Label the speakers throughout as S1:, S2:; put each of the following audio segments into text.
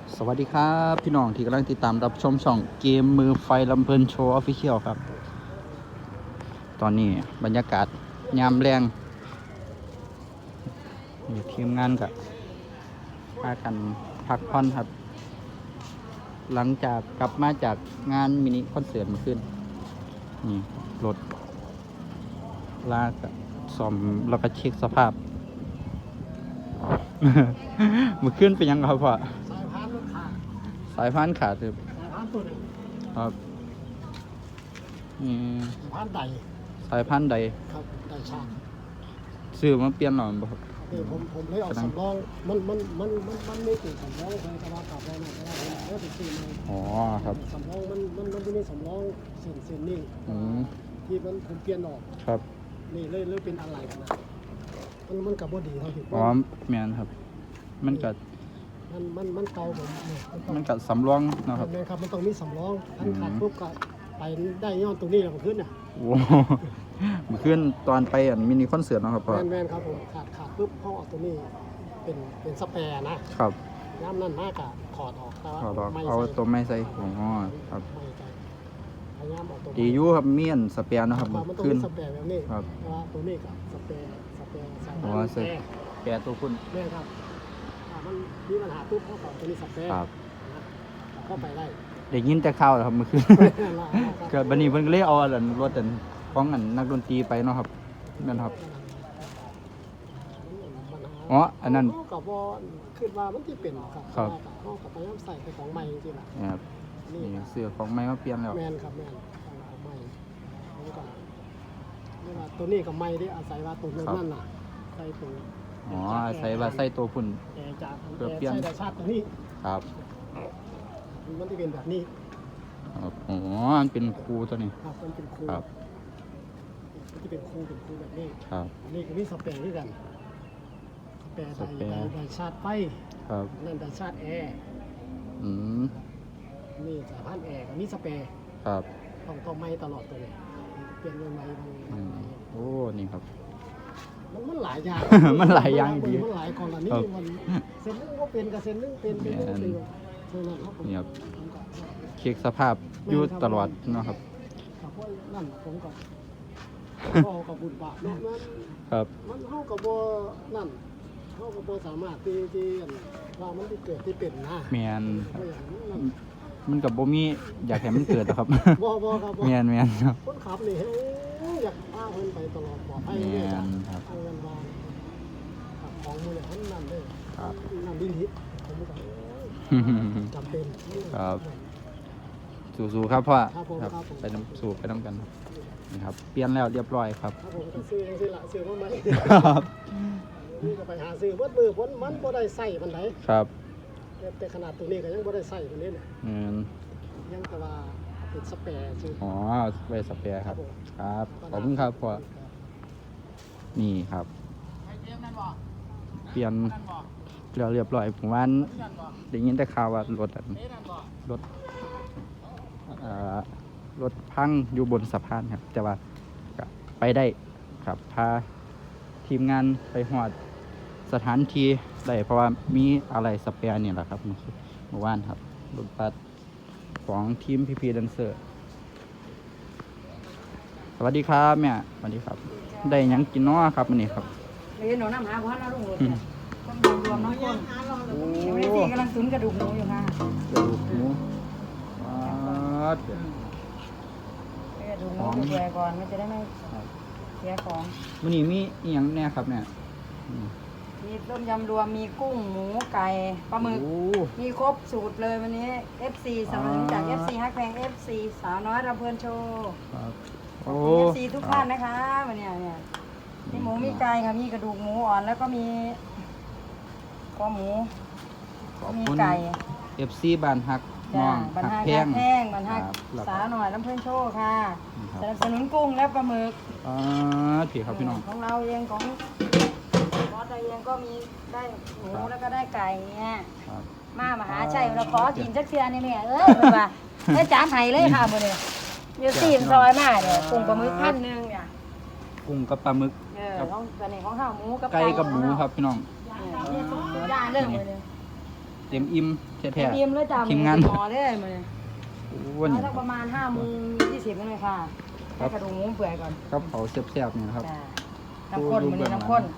S1: สวัสดีครับพี่น้องที่กำลังติดตามรับชมช่องเกมมือไฟลำเพลินโชว์ออฟฟิเชียลครับตอนนี้บรรยากาศยามแรงอยู่ทีมงานกับพากันพักผ่อนครับหลังจากกลับมาจากงานมินิคอนเสิร์ตเมื่อคืนนี่รถลากซ่อมแล้วก็เช็คสภาพ เมื่อคืนเป็นยังครับพ่อ
S2: สายพานมันขาด
S1: สายพานขาดคือ
S2: สายพานตัวหนึ่ง
S1: ครับอืม
S2: สายพานใด
S1: สายพันธุ์ใด
S2: ครับใดช่าง
S1: ซื้อมาเปลี่ยนหน่อยบ่ครับ
S2: ผมเลยเอาสำรองมันไม่ติดสำรองเลยแต่ว่าขับได้นะแต่ว่าผมแล้วติดซื้อมา
S1: อ๋อครับ
S2: สำรองมันไม่ได้สำรองเส้นนี่ที่ผมเปลี่ยนออก
S1: ครับ
S2: นี่เลยเป็นอะไรกันนะมันกับบดีเท่าที่
S1: อ๋อแม่นครับมันก็
S2: มันเก่าผม
S1: มันก็สำรองเนาะครับ
S2: ครับมันต้องมีสำรองอันขาดปุ๊บก็ไปได้ย้อนตรงนี้แล้วขึ้นน่ะ
S1: โอ้เมื่อคืนตอนไปมินิคอนเสิร์ตเนาะครับพ่อ
S2: แม่นครับผมขาดปุ๊บเขาเอาตัวนี้เป็นสแปร์นะครับย่ำนั่นมากอะถอดออกแต่ว่า
S1: เอาตัวไม่ใส่อ๋อครับ
S2: พยายามเอาตัว
S1: ดีอยู่ครับเมียนสเปียร์เนาะครับ
S2: มันต้องมีสแปร์แบบนี้
S1: ครับ
S2: ว่าตัวนี้กับสแปร์ใส่
S1: อ๋อสแปร์ตัวคุณ
S2: แม่ครับมันมีปัญหาปุ๊บเขาต่อตัวนี้สแปร์เข้าไปได้
S1: ยินแต่ข่าวครับเมื่อคืนก็บัดนี้เพิ่นก็เลยเอารถของนักดนตรีไปเนาะครับนั่นครับอ๋ออันนั้น
S2: กับว่าคือว่ามันที่เป็นครับเขากับพยายามใส่ไปของใหม่จริงๆ
S1: นะครับนี่เสื้อของใหม่มาเปลี่ยนแล้ว
S2: แมนครับแมนของใหม่แล้วก็นี่ว่าตัวนี้กับใหม่ที่อาศัยว่าตัวนั่นน่ะใส่ตัว
S1: อ๋ออาศัยว่าใส่ตัวพุ่น
S2: เพื่อเปลี่ยนใส่ชาติตัวนี้
S1: ครับ
S2: มันที่เป็นแบบนี้
S1: ครับอ๋อมันเป็นคูตัวนี้
S2: ครับมันเป็นคู
S1: ครับ
S2: มันที่เป็นคูแบบนี้
S1: ครับ
S2: นี่คือนี่สเปรย์ด้วยกันสเปรย์ไดชาร์จไฟ
S1: ครับ
S2: นั่นไดชาร์จแอร์นี่สายพันธุ์แอร์กับนี่สเปรย์
S1: ครับ
S2: ต้องไหม้ตลอดตัวเลยเปลี่ยนยังไง
S1: โอ้นี่ครับ
S2: มันหลายอย่าง
S1: มันหลายอย่างดี
S2: มันหลายกรณีมันเส้นนึงก็เป็นกับเส้นนึงเป็นนี่
S1: ครับเช็คสภาพอยู่ตลอดนะครับ
S2: กับพวกนั่นผมกับกับบุญบาปเนาะ
S1: ครับ
S2: มันเข้ากับบ่นั่นเข้ากับบ่สามารถที่ว่ามันที่เกิดที่เป็นนะ
S1: แมนมันกับบ่มีอยากให้มันเกิดนะครับ
S2: บ่ครับ
S1: แมนครับ
S2: คนขับนี่อยากพาเพิ่นไปตลอดปลอดภัยเลยครับเอาเงินวางของมือเนี่ยนั่นเลยนั่นดิลิผมก็จำเป็น
S1: ครับสู้ๆครับพ่อครับไปน้ำสู้ไปน้ำกันนี่ครับเปลี่ยนแล้วเรียบร้อยครับ
S2: ผมก็ซื้อยังซื้อละซื้อมาใหม่ครับนี่ก็ไปหาซื้อเบิดมือพ้นมันบ่ได้ใส่มันไหน
S1: ครับ
S2: แต่ขนาดตัวนี้ก็ยังบ่ได้ใส่ตัวนี้เนี่ยยังแต่ว่าเป็นสเปรย์ชื่อ
S1: อ๋อไว้สเปรย์ครับครับขอบคุณครับพ่อนี่ครับเปลี่ยนเรียบร้อยผมว่าได้ยินแต่ข่าวว่ารถพังอยู่บนสะพานครับแต่ว่าไปได้ครับพาทีมงานไปหอดสถานที่ได้เพราะว่ามีอะไรสเปียร์นี่แหละครับเมื่อวานครับรถบัสของทีมพีแดนเซอร์สวัสดีครับแม่สวัสดีครับได้ยังกินน้อครับวันนี้ครับ
S3: เรียนหนูน้ำหาพันแล้วลุงรถเนี่ยต้องรวมน้องคนไม่ได้กำลังตุ๋นกระดูกหมูอยู่ค่ะ
S1: กระดูกหมู
S3: ดูหมูดูแลก่อนมันจะได้ไม่เสียของ
S1: วันนี้มีอย่างแน่ครับเนี่ย
S3: มีต้มยำรวมมีกุ้งหมูไก่ปลาหมึกมีครบสูตรเลยวันนี้ FC สนับสนุนจาก FC ฮักแพง FC สาวน้อยรำเพลินโชว์ขอบคุณ FC ทุกท่านนะคะวันนี้เนี่ยมีหมูมีไก่ค่ะมีกระดูกหมูอ่อนแล้วก็มีคอหมูมีไก่
S1: FC บ้านฮักน้องฮักแพง
S3: บ้านฮักสาวหน่อยลำเพลินโชว์ค่ะสนับสนุนกุ้งและปลาหมึก
S1: พี่ครับพี่น้อง
S3: ของเราเองของรถเราเองก็มีได้หมูแล้วก็ได้ไก่เนี่ยมหาชัยเราขอกินสักเทื่อนี่เนี่ยเป็นว่าได้จานไห้เลยค่ะมื้อนี้เดี๋ยวซีมซอยมาเนี่ยกุ้งปลาหมึก1,000เนี่ย
S1: กุ้งกับปลาหมึก
S3: ของตัวนี้ของข้าวหมูกับ
S1: ไก่กับหมูครับพี่น้อง
S3: ย่างเรื่องมื้อนี้
S1: เต็มอิ่มแท้
S3: เตรียมเลยจ้า
S1: ทีมงาน
S3: หมอได้มาเลย
S1: ๆโอ้นี่
S3: สักประมาณ5:20นั่นเลยค่ะให้กระดูกหมูเปื่อยก่อน
S1: ครับเขาแซ่บๆนี่นะครับ
S3: จ้าน้ำข้นมันนี่น้ำข้น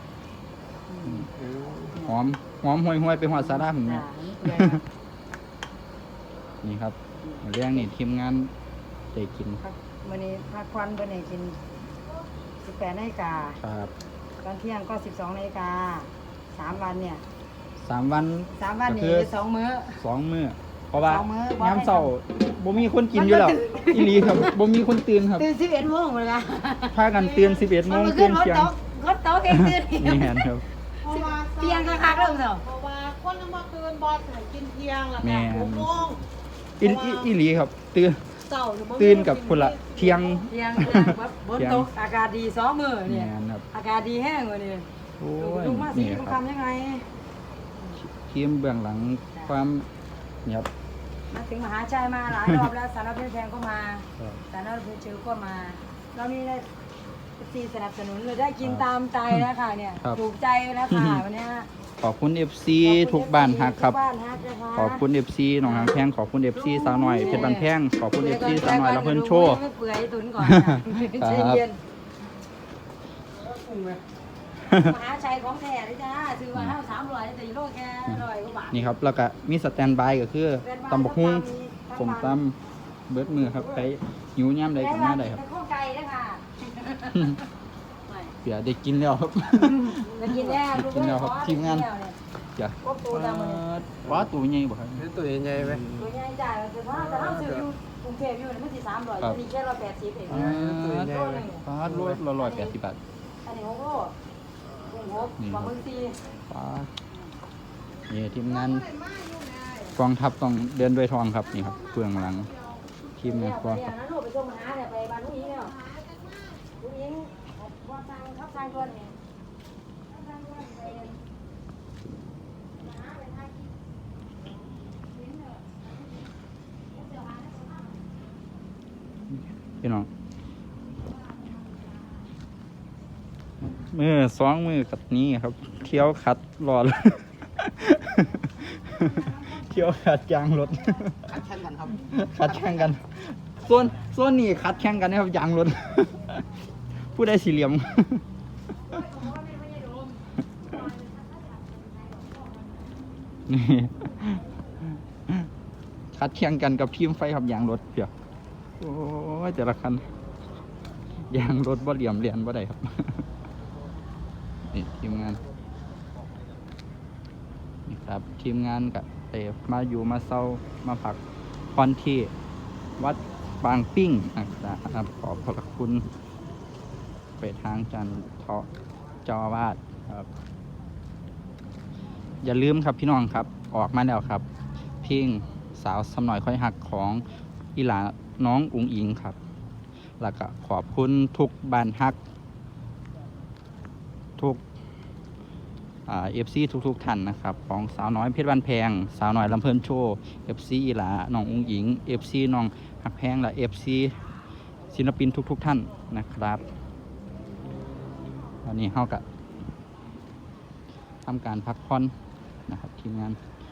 S1: หอมห่วยๆไปหอดสาระผมเนี่
S3: จ้าย นี่เปื่อยครับ
S1: นี่ครับเรื่องนี่ทีมงานได้กิน
S3: วันนี้พักควันเบอร์ไหนกิน18 นาฬิกา
S1: ครับ
S3: ตอนเที่ยงก็12 นาฬิกา3 วันเนี่ย
S1: 3 วัน
S3: 3 วัน
S1: ก็
S3: นี่
S1: คือ
S3: 2 มื้อ
S1: 2 มื้อเพราะว่า
S3: สองมื้อ
S1: น้ำเศร้าบ่มีคนกินอยู่แล้วอีหลีครับบ่มีคนตื่นครับ
S3: ตื่น11 โมงเลยนะ
S1: พากันตื่น11 โมง
S3: มัน
S1: ตื่
S3: ขึ้
S1: น
S3: นรถ
S1: เที่ยง
S3: โต๊ะรถโต๊ะเองตื่น
S1: นี่แม่นครับ
S3: เที่ยงคักๆเริ่มเนาะ
S4: เพราะว่าคนเมื่อคืนบอสให้กินเที่ยงแล้ว
S1: แม่
S4: ค่ะ
S1: น
S4: 6 โมง
S1: อีหลีครับตื่น
S4: เจ้าหรือ
S1: ตื่นกับคนละเที่ยง
S3: เที่ยงแบบบนโต๊ะอากาศดี2 มื้อเนี่ย
S1: แม่นครับ
S3: อากาศดีแห้งกว่านี่
S1: โอ้ย
S3: ลูกมาสิ
S1: นี่
S3: ลูก
S1: ครับ
S3: ทำยังไง
S1: ทีมเบื้องหลังความเนี่ยครับ
S3: มาถึงมหาชัยมาหลายรอบแล้วสารพัดแพงก็มา สารพัดเชื้อก็มา เรามีได้ซีสนับสนุนเลยได้กินตามใจแล้วค่ะเนี่ย
S1: ครับ
S3: ถูกใจแล้วค่ะวันเนี้ย
S1: ขอบคุณ FC ทุกบ้านฮักครับ
S3: ทุกบ้านฮักนะคะ
S1: ขอบคุณ FC หนองหางแพงขอบคุณ FC สาวหน่อยเพชรบันแพงขอบคุณ FC สาวหน่อยละเพิ่นโชว์
S3: ไม่เปื่อยตุนก่อน
S1: ครั
S3: ใจ
S1: บ
S3: เย็นมหาชัยของแท้เลยจ้าซื้อมา300แต่โลแค่100กว่าบาท
S1: นี่ครับแล้วก็มีสแตนบายก็คือตำบักหุ่งสมตำเบิดมือครับไปหิวย่ำใดก็มาได้ครับ
S3: เป็นข้าวไก่ด้วยค่ะ
S1: เสียได้กินแล้วครับ
S3: จะกินแน่ลูก
S1: กินแล้วครับทีมงาน จ้ะ
S3: ครบตัวดำเลย
S1: ว้าตัวใหญ่บ่ครับ
S2: ตัวใหญ่ไหม
S3: ตัวใหญ่จ่ายแต่ว่าแต่ถ้าซื้ออยู่กรุงเทพอยู่เนี่ยมันสิ300อันนี้แค่180เอง
S1: ฟ้าโลละ180 บาท
S3: อันนี้6 โลกุ้ง6ปลาหมึก4
S1: ฟ้านี่ทีมงานกองทัพต้องเดินด้วยทองครับนี่ครับเบื้องหลังทีมงานกอง
S3: เนี่
S1: ทั
S3: ย
S1: พ
S3: นั้นลูกไปส่งมหาเนี่ยไปบ้านลูกยิงเนี่ยลูกยิงว่าทางทับทางตัวนี่ทับทางตัวไป
S1: พี่น้องมือ2 มือกับนี้ครับ เที่ยวขัดรอเลย เที่ยวขัดยางรถ
S2: คัดแข่งกันครับ
S1: ขัดแข่งกันส่วนนี้ขัดแข่งกันนะครับยางรถ ผู้ใดสี่เหลี่ยม นี่ขัดแข่งกันกับทีมไฟครับยางรถเพียวโอ้ยแต่ละคันยางรถบ่เหลี่ยมเรียนบ่ได้ครับ นี่ทีมงานนี่ครับทีมงานกับเตมาอยู่มาเศร้ามาพักผ่อนที่วัดบางปิ้งนะครับขอบพระคุณไปทางจันทร์เจ้าอาวาสครับ อย่าลืมครับพี่น้องครับออกมาแล้วครับเพลงสาวสำหน่อยค่อยหักของอีหลาน้องอุ๋งอิงครับ แล้วก็ขอบคุณทุกบ้านฮัก ทุกFC ทุกท่านนะครับ ของสาวน้อยเพชรบ้านแพง สาวน้อยลำเพลินโชว์ FC อีหลาน้องอุ๋งอิง FC น้องฮักแพงและ FC ศิลปินทุกท่านนะครับวันนี้เฮากับทำการพักผ่อนนะครับทีมงาน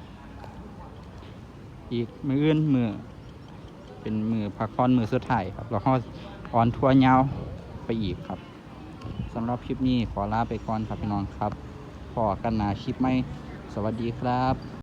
S1: อีกมืออื่นมือเป็นมือพักผ่อนมือสุดท้ายครับแล้วก็ออนทัวร์ยาวไปอีกครับสำหรับคลิปนี้ขอลาไปก่อนครับพี่น้องครับพอกันหนาคลิปไหมสวัสดีครับ